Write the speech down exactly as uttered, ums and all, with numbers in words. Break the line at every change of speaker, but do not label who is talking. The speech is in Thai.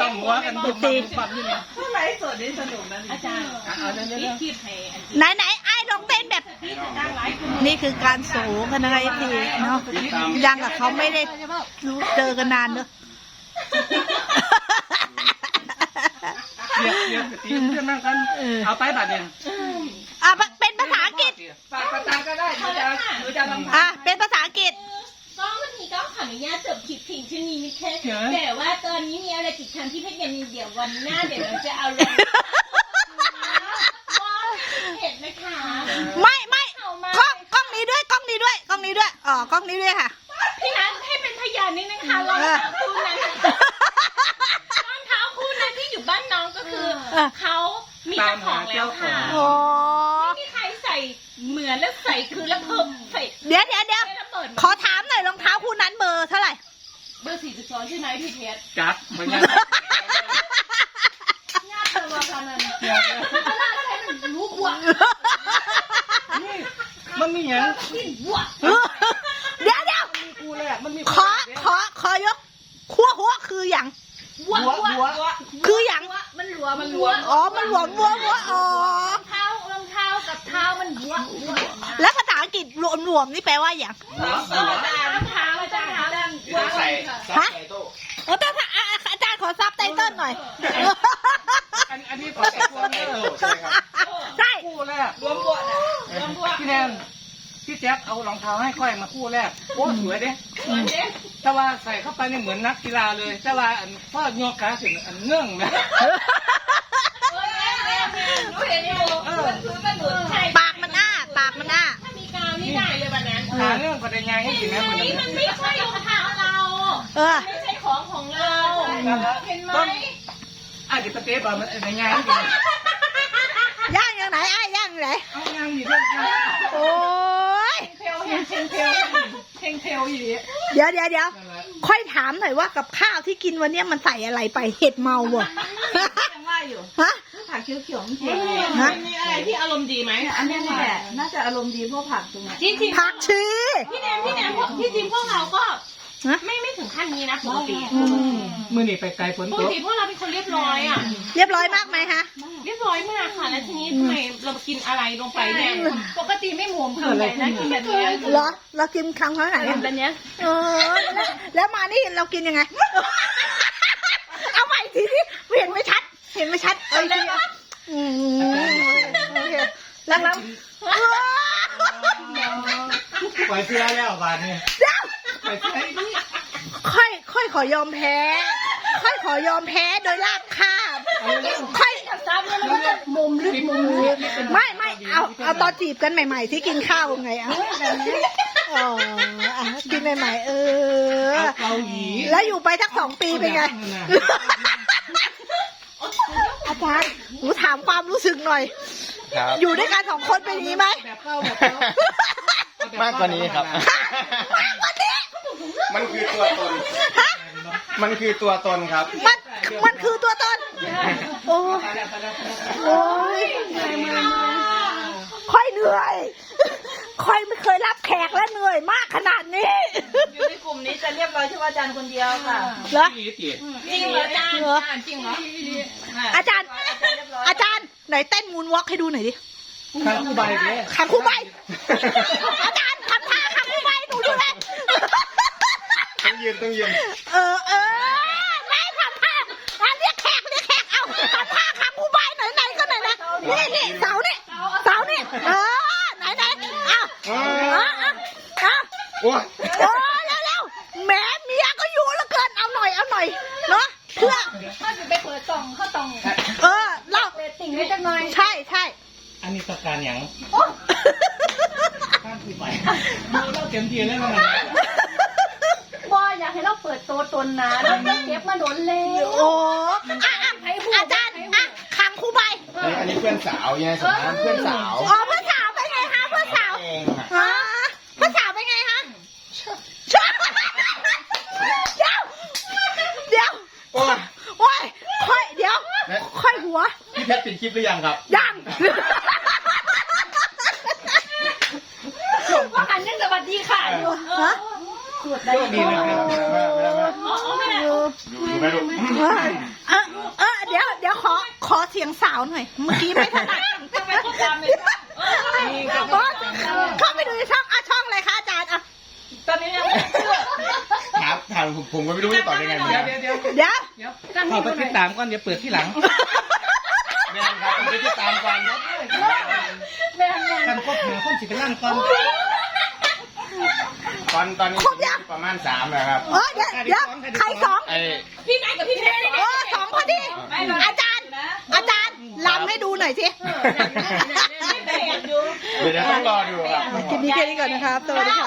องหัวกันบุบบับบุบบับนี่เนี่ย
ไลฟ์สดนี่สนุกนะอาจารย์
เอาเรื่อง
คลิปให้
ไหนไหนไอ้ลองเต้นแบบนี่คือการโสกันอะไรทีเนาะยังกับเขาไม่ได้รู้เจอกันนานเนอะ
เรียกเรียกตีเพื่อนนั่งกันเอาไปบัดเนี่ย
อ่ะเป็นภาษาอังกฤษ
ฝากประจานก็ได้หนูจะหนูจะลำ
อ่ะเป็นภาษาอังกฤษ
ก็วันนี้ก็ขออนุญาตจบคลิปเพียงเท่านี้นะคะแต่ว่าตอนนี้มีอะไรติดค้างที่เพชรยังมีเดี๋ยววันหน้าเดี๋ยวเราจะเอาลงเห็นนะคะ
ไม่ไม่กล้องกล้องนี้ด้วยกล้องนี้ด้วยกล้องนี้ด้วยอ๋อกล้องนี้ด้วยค่ะ
พี่นัทให้เป็นพยานนิดนึงค่ะรองเท้าคู่นั้นรองเท้าคู่นั้นที่อยู่บ้านน้องก็คือเขามีเจ้าของแล้วค่ะ
โอ้
ไม่มีใครใส่เหมือนแล้วใส่คือแล้วเพิ่มใส่
เดี๋ยวเดี๋ยวเดี๋ยวขอถามหน่อยรองเท้าคู่นั้นเบอร์เท่าไหร่
เบอร์สี่สิบสองใช่ไหมพี่เพชร
จัดเหมือนกัน
ญาติเธอมาพนันเวลาใช้มันรู้บวก
มันมีอย่าง
บวก
เดี๋ยวเดี๋ยว
กูแรกมันมี
ขอขอขอยกขั้วหัวคืออย่าง
บวกบวก
คืออย่าง
มันหลัวมันหลัว
อ๋อมันหลวมวัววัวอ๋อ
รองเท้ารองเท้ากับเท้ามันบวกบวก
แล้วภาษาอังกฤษรวมรวมนี่แปลว่าอย่าง
หัวหัว
รองเท้ารองเท้าดันบวก
ใส่ซับ
ฮะ
ไตโต้
โอ้แต่ถ้าอ่ะอาจารย์ขอซับไตเติ้ลหน่อย
อันอันนี้ขอ
ใส่
แต่
ซับไตโต้ใช่ไหมครับ
ใช่
คู่แรก
รวมบวชนะรวมบวช
พี่แนนพี่แจ๊คเอารองเท้าให้ค่อยมาคู่แรกโอ้สวยเด้แต่ว่าใส่เข้าไปเนี่ยเหมือนนักกีฬาเลยแต่ว่าอันพ่อยกขาถึงอันเงื่องนะ
หนูเห็นอยู่มันคือมันหนุนใช่
ปากมันอ้าปากมันอ้า
ถ้ามีกาวนี่ได้เลยวันนั้น
ขาเงื่องก็ได้ไงให้กินนะเหมือน
นี่
กั
มัน นไม่ใช่รองเท้าเรา
เออ
ไม่ใช่ของของเราเห็นไหม
อ่ะเดี๋ยวปะเต๊ะบอกมันได้ไงให้กิน
ย่างอย่างไหนไอ้ย่างอย่างไหน
เอาย่างอยู่ด้วยกัน
โอ้ย
เพลเห็นเพลเพลเพลเพลอยู่
เดี๋ยวเดี๋ยวเดี๋ยวค่อยถามหน่อยว่ากับข้าวที่กินวันเนี้ยมันใส่อะไรไปเห็ดเมาบ่
ยังว่าอยู่
ฮะ
ผักเขียวๆมันเผ็ด
มันมีอะไรที่อารมณ์ดีไหม
อันนี้แหละน่าจะอารมณ์ดีเพราะผักตรงนี้
จริงจริง
ผักชี
พี่แนมพี่แนมที่จริงพวกเราก็ไม่ไม่ถึงขั้นนี้นะปกติ
มือนี่ไปไกลฝน
ป
ต
ก
ก
ติพวกเราเป็นคนเรียบร้อยอ่ะ
เรียบร้อยมากไหมคะ
เรียบร้อยมากค่ะแล้วทีนี้ทำไมเรากินอะไรลงไปเนี่ยปกติไม่หมวมคืออะไรนะกินแบบนี้
เหรอเรากินครั้งเท่าไหร่
แบบนี้
เออแล้วแล้วมานี่เรากินยังไง เอาใหม่ทีนี้เห็นไม่ชัด เห็นไม่ชัดเอ้ยทีอืมโอเคแล้วแล้ว
ปล่อยเสื้อแล้วบาทนี่
เดี๋ยว
ไปใช้
ค่อยค่อยขอยอมแพ้ ค่อยขอยอมแพ้โดยลาบคาบค่อย
ซ้ำแล้วมันก็มุมลึกมุมลึก
ไม่ไม่เอาเอาตอนจีบกันใหม่ๆที่กินข้าวไงอ่ะอ๋ออ่ะกินใหม่ๆเออ
เอาเกาหลี
แล้วอยู่ไปสักสองปีเป็นไง อาจารย์หนูถามความรู้สึกหน่อย
ครับ
อยู่ด้วยกันสองคนเป็นอย่างนี้ไหม
แบบเข้าแบบเข้าม
ากกว่านี้ครับ
มากกว่านี้
มันคือตัวตน มันคือตัวตนครับ
มันมันคือตัวตน โอ้โอ้ยค่อยเหนื่อย ค่อยไม่เคยรับแขกและเหนื่อยมากขนาดนี้
อยู่ในกลุ่มนี้จะเรียบร้อยเฉพาะอาจารย์คนเดียวค่ะ
เหรอ
อีเตี๋ย
จริงเหรออาจารย์จริงเหรอ
อาจารย์ อาจารย์ไหนเต้นมูนวอล์กให้ดูหน่อยดิ
ข้างคู่ใบเนี่ย
ขังคู่ใบ อาจารย์ทำท่าขังคู่ใบหนูดูเลย
ต้องยืนต้องยืน
เออเออแม่ทำท่าอ่ะเรียกแขกเรียกแขกเอาทำท่าขังคู่ใบไหนไหนก็ไหนนะนี่นี่เสานี่เสานี่เออไหนไหนเอาเอาเอาเอา
โอ้ย
โอ้เร็วเร็วแม่เมียก็อยู่แล้วเกินเอาหน่อยเอาหน่อยเนาะเพื่อ
ถ้าจะไปเปิดกล่องข้าวตอง
เออเล่า
เรตติ้งให้จังหน่อย
ใช่ใช่
อันนี้ประการอย่างข้างคู่ใบดูเราเต็มที่แล้วมัน
ว่าอยากให้เราเปิดตัวตนนะเราเก็บมาโดนแล้ว
โอ้อ่ะอ่ะอาจารย์อ่ะขังคู่ใบ
อันนี้เพื่อนสาวยังไงสมานเพื่อนสาว
อ๋อเพื่อนสาวเป็นไงคะเพื่อนสาว
เองอะ
ฮะเพื่อนสาวเป็นไงคะเดี๋ยวเดี๋ยว
โอ้ย
โอ้ยค่อยเดี๋ยวค่อยหัว
พี่เพชรปิดคลิปหรือยังครับ
ยัง
ว่าหันยังสวัสดีค่ะอยู่
ฮะ
โชคดีนะครับ
อ๋อไม่ได้
ดูไหมลูก
เออเออเออเดี๋ยวเดี๋ยวขอขอเสียงสาวหน่อย เมื่อกี้ไม่ถนัด
ต้องไปติดตามในช่องเออ
นี่ก็
โอ๊ยเข้าไปดูในช่องอ่ะช่องอะไรคะอาจารย์อ่ะ
ตอนนี้ยังไม่เชื่อ
ถามถามผมผมก็ไม่รู้จะตอบยังไงเหมือน
เดี๋ย
กั
วน เดี๋ยวเดี๋ยว
เดี๋ยว
เดี๋ยวเข้าไปติดตามก่อนเดี๋ยวเปิดที่หลัง
แม่นครับผมจะติดตามก่อน
แม่แม่
กันครบหาคนสิเป็นนั่นก่อน
ตอนตอนนี้ประมาณสามนะครับ
เออเดี๋ยวเดี๋ยวใครสอง
ไอ้
พี่นายกับพี่เนย
เออสองพอดี อาจารย์ อาจารย์ลำให้ดูหน่อยสิ
แม่อยู่
เดี๋ยวต้องรอดูครับ
คลิปนี้แค่นี้ก่อนนะครับ สวัสดีค่ะ